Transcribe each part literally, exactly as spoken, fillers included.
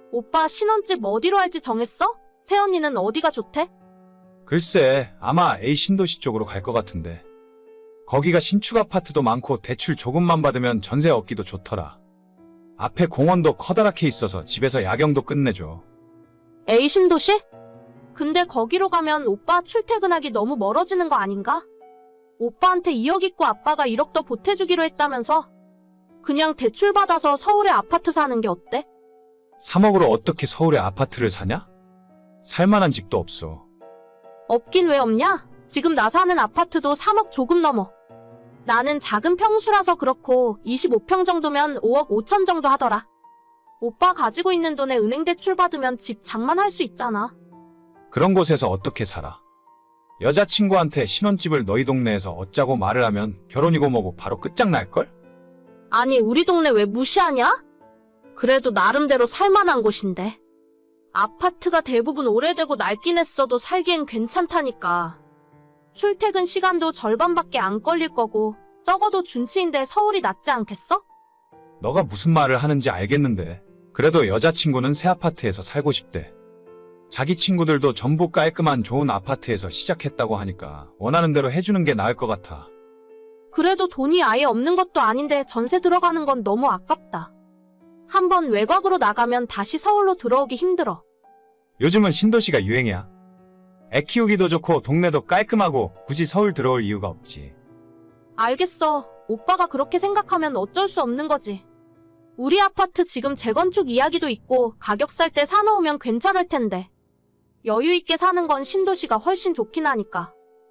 오빠 신혼집 어디로 할지 정했어? 새언니는 어디가 좋대? 글쎄, 아마 A 신도시 쪽으로 갈 것 같은데. 거기가 신축 아파트도 많고 대출 조금만 받으면 전세 얻기도 좋더라. 앞에 공원도 커다랗게 있어서 집에서 야경도 끝내줘. A 신도시? 근데 거기로 가면 오빠 출퇴근하기 너무 멀어지는 거 아닌가? 오빠한테 이억 있고 아빠가 일억 더 보태주기로 했다면서? 그냥 대출 받아서 서울에 아파트 사는 게 어때? 삼억으로 어떻게 서울에 아파트를 사냐? 살만한 집도 없어. 없긴 왜 없냐? 지금 나 사는 아파트도 삼억 조금 넘어. 나는 작은 평수라서 그렇고 이십오 평 정도면 오억 오천 정도 하더라. 오빠 가지고 있는 돈에 은행 대출 받으면 집 장만할 수 있잖아. 그런 곳에서 어떻게 살아? 여자친구한테 신혼집을 너희 동네에서 얻자고 말을 하면 결혼이고 뭐고 바로 끝장날걸? 아니 우리 동네 왜 무시하냐? 그래도 나름대로 살만한 곳인데. 아파트가 대부분 오래되고 낡긴 했어도 살기엔 괜찮다니까. 출퇴근 시간도 절반밖에 안 걸릴 거고 적어도 준치인데 서울이 낫지 않겠어? 너가 무슨 말을 하는지 알겠는데 그래도 여자친구는 새 아파트에서 살고 싶대. 자기 친구들도 전부 깔끔한 좋은 아파트에서 시작했다고 하니까 원하는 대로 해주는 게 나을 것 같아. 그래도 돈이 아예 없는 것도 아닌데 전세 들어가는 건 너무 아깝다. 한번 외곽으로 나가면 다시 서울로 들어오기 힘들어. 요즘은 신도시가 유행이야. 애 키우기도 좋고 동네도 깔끔하고 굳이 서울 들어올 이유가 없지. 알겠어. 오빠가 그렇게 생각하면 어쩔 수 없는 거지. 우리 아파트 지금 재건축 이야기도 있고 가격 살 때 사놓으면 괜찮을 텐데. 여유 있게 사는 건 신도시가 훨씬 좋긴 하니까.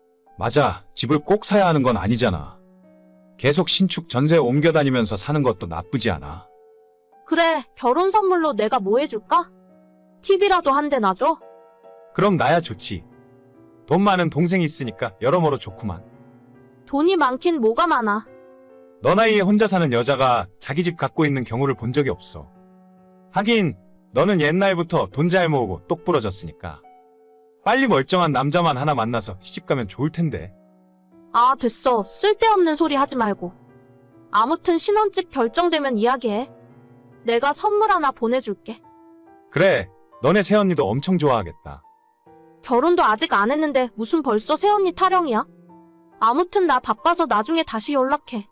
맞아. 집을 꼭 사야 하는 건 아니잖아. 계속 신축 전세 옮겨 다니면서 사는 것도 나쁘지 않아. 그래, 결혼 선물로 내가 뭐 해줄까? 티비라도 한 대 놔줘? 그럼 나야 좋지. 돈 많은 동생 있으니까 여러모로 좋구만. 돈이 많긴 뭐가 많아. 너 나이에 혼자 사는 여자가 자기 집 갖고 있는 경우를 본 적이 없어. 하긴 너는 옛날부터 돈 잘 모으고 똑 부러졌으니까. 빨리 멀쩡한 남자만 하나 만나서 시집가면 좋을 텐데. 아, 됐어. 쓸데없는 소리 하지 말고. 아무튼 신혼집 결정되면 이야기해. 내가 선물 하나 보내줄게. 그래, 너네 새언니도 엄청 좋아하겠다. 결혼도 아직 안 했는데 무슨 벌써 새언니 타령이야? 아무튼 나 바빠서 나중에 다시 연락해.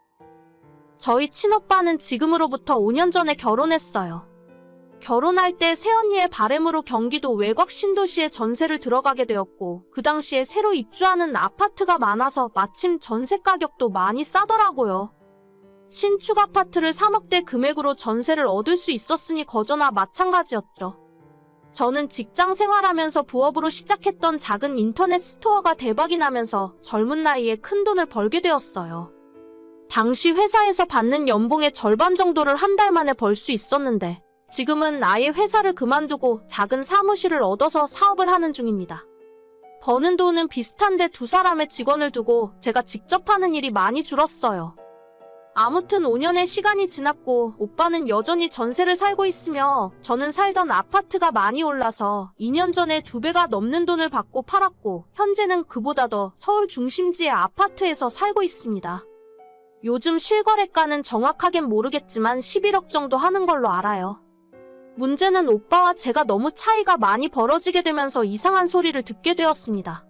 저희 친오빠는 지금으로부터 오 년 전에 결혼했어요. 결혼할 때 새언니의 바람으로 경기도 외곽 신도시에 전세를 들어가게 되었고 그 당시에 새로 입주하는 아파트가 많아서 마침 전세 가격도 많이 싸더라고요. 신축 아파트를 삼억대 금액으로 전세를 얻을 수 있었으니 거저나 마찬가지였죠. 저는 직장 생활하면서 부업으로 시작했던 작은 인터넷 스토어가 대박이 나면서 젊은 나이에 큰 돈을 벌게 되었어요. 당시 회사에서 받는 연봉의 절반 정도를 한 달 만에 벌 수 있었는데 지금은 아예 회사를 그만두고 작은 사무실을 얻어서 사업을 하는 중입니다. 버는 돈은 비슷한데 두 사람의 직원을 두고 제가 직접 하는 일이 많이 줄었어요. 아무튼 오 년의 시간이 지났고 오빠는 여전히 전세를 살고 있으며 저는 살던 아파트가 많이 올라서 이 년 전에 두 배가 넘는 돈을 받고 팔았고 현재는 그보다 더 서울 중심지의 아파트에서 살고 있습니다. 요즘 실거래가는 정확하겐 모르겠지만 십일억 정도 하는 걸로 알아요. 문제는 오빠와 제가 너무 차이가 많이 벌어지게 되면서 이상한 소리를 듣게 되었습니다.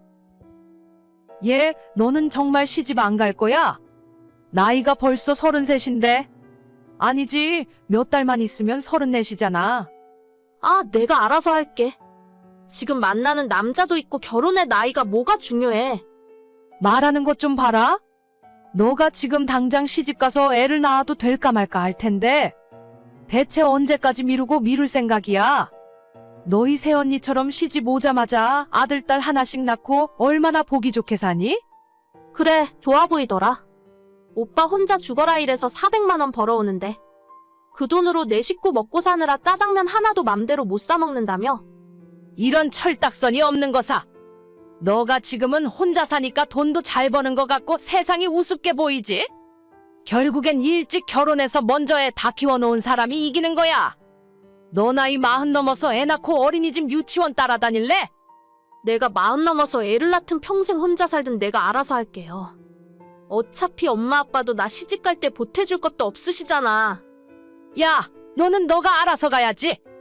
얘, 너는 정말 시집 안 갈 거야? 나이가 벌써 서른셋인데? 아니지, 몇 달만 있으면 서른넷이잖아. 아, 내가 알아서 할게. 지금 만나는 남자도 있고 결혼의 나이가 뭐가 중요해. 말하는 것 좀 봐라. 너가 지금 당장 시집 가서 애를 낳아도 될까 말까 할 텐데 대체 언제까지 미루고 미룰 생각이야? 너희 새언니처럼 시집 오자마자 아들, 딸 하나씩 낳고 얼마나 보기 좋게 사니? 그래, 좋아 보이더라. 오빠 혼자 죽어라 일해서 사백만 원 벌어오는데 그 돈으로 내 식구 먹고 사느라 짜장면 하나도 맘대로 못 사 먹는다며? 이런 철딱선이 없는 거사. 너가 지금은 혼자 사니까 돈도 잘 버는 것 같고 세상이 우습게 보이지? 결국엔 일찍 결혼해서 먼저 애 다 키워놓은 사람이 이기는 거야. 너 나이 마흔 넘어서 애 낳고 어린이집 유치원 따라다닐래? 내가 마흔 넘어서 애를 낳든 평생 혼자 살든 내가 알아서 할게요. 어차피 엄마 아빠도 나 시집 갈 때 보태줄 것도 없으시잖아. 야, 너는 너가 알아서 가야지.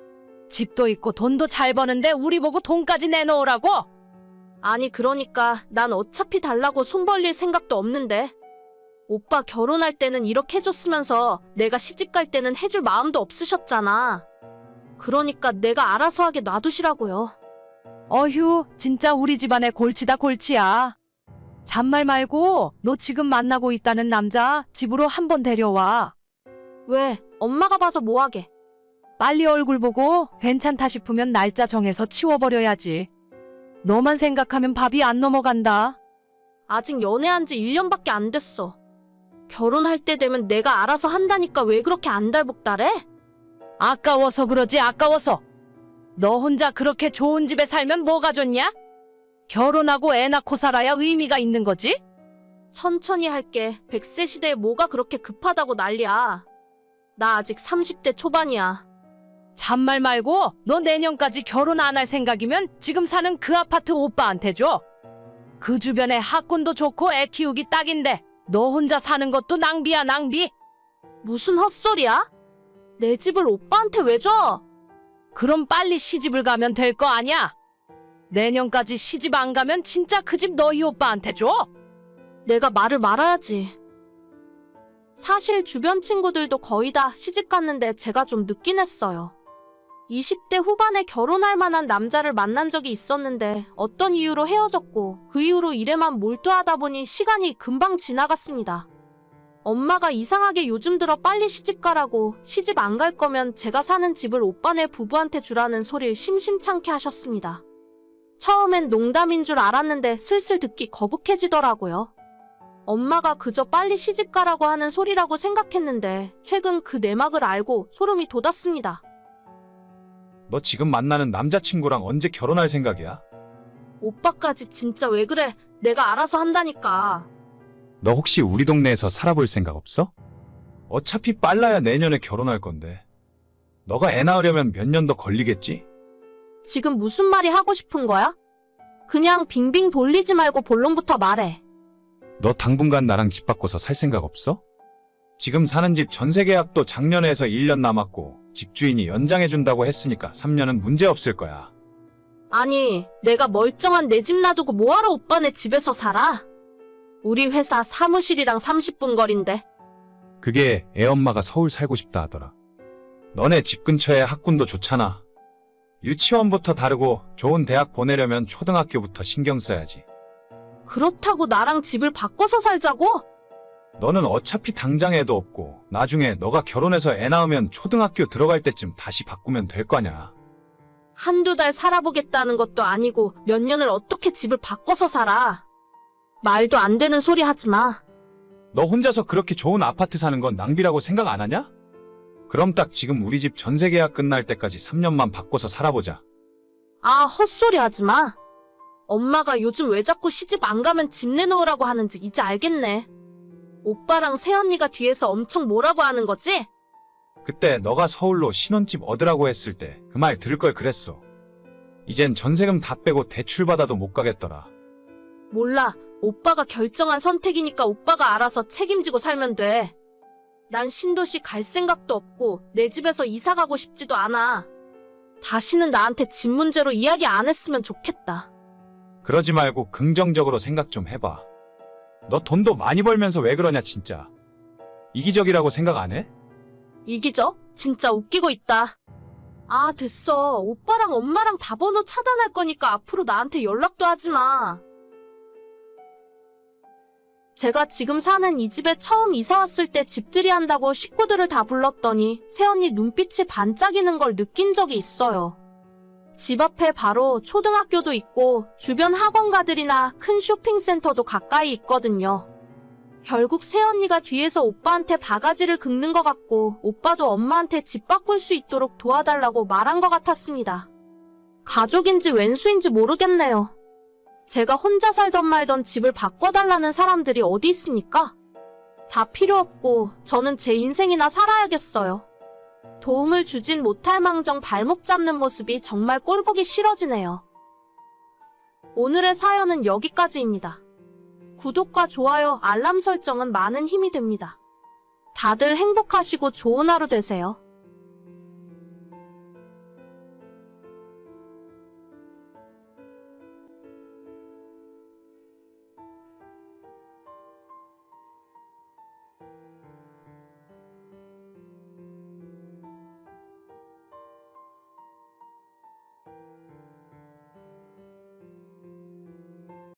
집도 있고 돈도 잘 버는데 우리 보고 돈까지 내놓으라고? 아니, 그러니까 난 어차피 달라고 손 벌릴 생각도 없는데. 오빠 결혼할 때는 이렇게 해줬으면서 내가 시집 갈 때는 해줄 마음도 없으셨잖아. 그러니까 내가 알아서 하게 놔두시라고요. 어휴, 진짜 우리 집안의 골치다 골치야. 잔말 말고 너 지금 만나고 있다는 남자 집으로 한번 데려와. 왜? 엄마가 봐서 뭐하게? 빨리 얼굴 보고 괜찮다 싶으면 날짜 정해서 치워버려야지. 너만 생각하면 밥이 안 넘어간다. 아직 연애한 지 일 년밖에 안 됐어. 결혼할 때 되면 내가 알아서 한다니까 왜 그렇게 안달복달해? 아까워서 그러지, 아까워서. 너 혼자 그렇게 좋은 집에 살면 뭐가 좋냐? 결혼하고 애 낳고 살아야 의미가 있는 거지? 천천히 할게. 백 세 시대에 뭐가 그렇게 급하다고 난리야. 나 아직 삼십 대 초반이야. 잔말 말고 너 내년까지 결혼 안 할 생각이면 지금 사는 그 아파트 오빠한테 줘. 그 주변에 학군도 좋고 애 키우기 딱인데 너 혼자 사는 것도 낭비야, 낭비. 무슨 헛소리야? 내 집을 오빠한테 왜 줘? 그럼 빨리 시집을 가면 될 거 아냐? 내년까지 시집 안 가면 진짜 그 집 너희 오빠한테 줘. 내가 말을 말아야지. 사실 주변 친구들도 거의 다 시집 갔는데 제가 좀 늦긴 했어요. 이십 대 후반에 결혼할 만한 남자를 만난 적이 있었는데 어떤 이유로 헤어졌고 그 이후로 일에만 몰두하다 보니 시간이 금방 지나갔습니다. 엄마가 이상하게 요즘 들어 빨리 시집 가라고 시집 안 갈 거면 제가 사는 집을 오빠네 부부한테 주라는 소리를 심심찮게 하셨습니다. 처음엔 농담인 줄 알았는데 슬슬 듣기 거북해지더라고요. 엄마가 그저 빨리 시집 가라고 하는 소리라고 생각했는데 최근 그 내막을 알고 소름이 돋았습니다. 너 지금 만나는 남자친구랑 언제 결혼할 생각이야? 오빠까지 진짜 왜 그래? 내가 알아서 한다니까. 너 혹시 우리 동네에서 살아볼 생각 없어? 어차피 빨라야 내년에 결혼할 건데. 너가 애 낳으려면 몇 년 더 걸리겠지? 지금 무슨 말이 하고 싶은 거야? 그냥 빙빙 돌리지 말고 본론부터 말해. 너 당분간 나랑 집 바꿔서 살 생각 없어? 지금 사는 집 전세 계약도 작년에 해서 일 년 남았고 집주인이 연장해준다고 했으니까 삼 년은 문제 없을 거야. 아니, 내가 멀쩡한 내 집 놔두고 뭐하러 오빠네 집에서 살아? 우리 회사 사무실이랑 삼십 분 거리인데. 그게 애 엄마가 서울 살고 싶다 하더라. 너네 집 근처에 학군도 좋잖아. 유치원부터 다르고 좋은 대학 보내려면 초등학교부터 신경 써야지. 그렇다고 나랑 집을 바꿔서 살자고? 너는 어차피 당장 애도 없고 나중에 너가 결혼해서 애 낳으면 초등학교 들어갈 때쯤 다시 바꾸면 될 거냐. 한두 달 살아보겠다는 것도 아니고 몇 년을 어떻게 집을 바꿔서 살아. 말도 안 되는 소리 하지 마. 너 혼자서 그렇게 좋은 아파트 사는 건 낭비라고 생각 안 하냐? 그럼 딱 지금 우리 집 전세 계약 끝날 때까지 삼 년만 바꿔서 살아보자. 아, 헛소리 하지 마. 엄마가 요즘 왜 자꾸 시집 안 가면 집 내놓으라고 하는지 이제 알겠네. 오빠랑 새언니가 뒤에서 엄청 뭐라고 하는 거지? 그때 너가 서울로 신혼집 얻으라고 했을 때 그 말 들을 걸 그랬어. 이젠 전세금 다 빼고 대출 받아도 못 가겠더라. 몰라. 오빠가 결정한 선택이니까 오빠가 알아서 책임지고 살면 돼. 난 신도시 갈 생각도 없고 내 집에서 이사 가고 싶지도 않아. 다시는 나한테 집 문제로 이야기 안 했으면 좋겠다. 그러지 말고 긍정적으로 생각 좀 해봐. 너 돈도 많이 벌면서 왜 그러냐 진짜. 이기적이라고 생각 안 해? 이기적? 진짜 웃기고 있다. 아, 됐어. 오빠랑 엄마랑 다 번호 차단할 거니까 앞으로 나한테 연락도 하지 마. 제가 지금 사는 이 집에 처음 이사 왔을 때 집들이 한다고 식구들을 다 불렀더니 새언니 눈빛이 반짝이는 걸 느낀 적이 있어요. 집 앞에 바로 초등학교도 있고 주변 학원가들이나 큰 쇼핑센터도 가까이 있거든요. 결국 새언니가 뒤에서 오빠한테 바가지를 긁는 것 같고 오빠도 엄마한테 집 바꿀 수 있도록 도와달라고 말한 것 같았습니다. 가족인지 왼수인지 모르겠네요. 제가 혼자 살던 말던 집을 바꿔달라는 사람들이 어디 있습니까? 다 필요 없고 저는 제 인생이나 살아야겠어요. 도움을 주진 못할 망정 발목 잡는 모습이 정말 꼴보기 싫어지네요. 오늘의 사연은 여기까지입니다. 구독과 좋아요, 알람 설정은 많은 힘이 됩니다. 다들 행복하시고 좋은 하루 되세요.